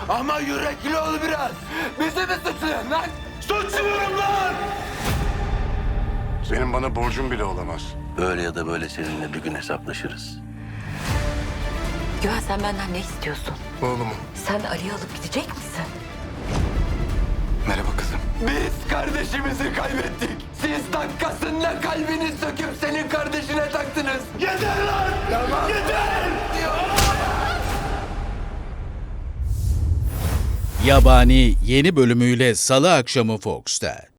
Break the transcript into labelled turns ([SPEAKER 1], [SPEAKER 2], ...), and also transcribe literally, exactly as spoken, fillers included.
[SPEAKER 1] Ama yürekli ol biraz. Bizi mi suçluyorsun lan? Suçluyorum lan!
[SPEAKER 2] Senin bana borcun bile olamaz.
[SPEAKER 3] Böyle ya da böyle seninle bir gün hesaplaşırız.
[SPEAKER 4] Güven, sen benden ne istiyorsun?
[SPEAKER 2] Oğlumu.
[SPEAKER 4] Sen Ali'yi alıp gidecek misin?
[SPEAKER 2] Merhaba kızım.
[SPEAKER 1] Biz kardeşimizi kaybettik. Siz dakikasında kalbini söküp senin kardeşine taktınız. Yeter lan! Tamam. Yeter!
[SPEAKER 5] Yabani yeni bölümüyle Salı akşamı Fox'ta.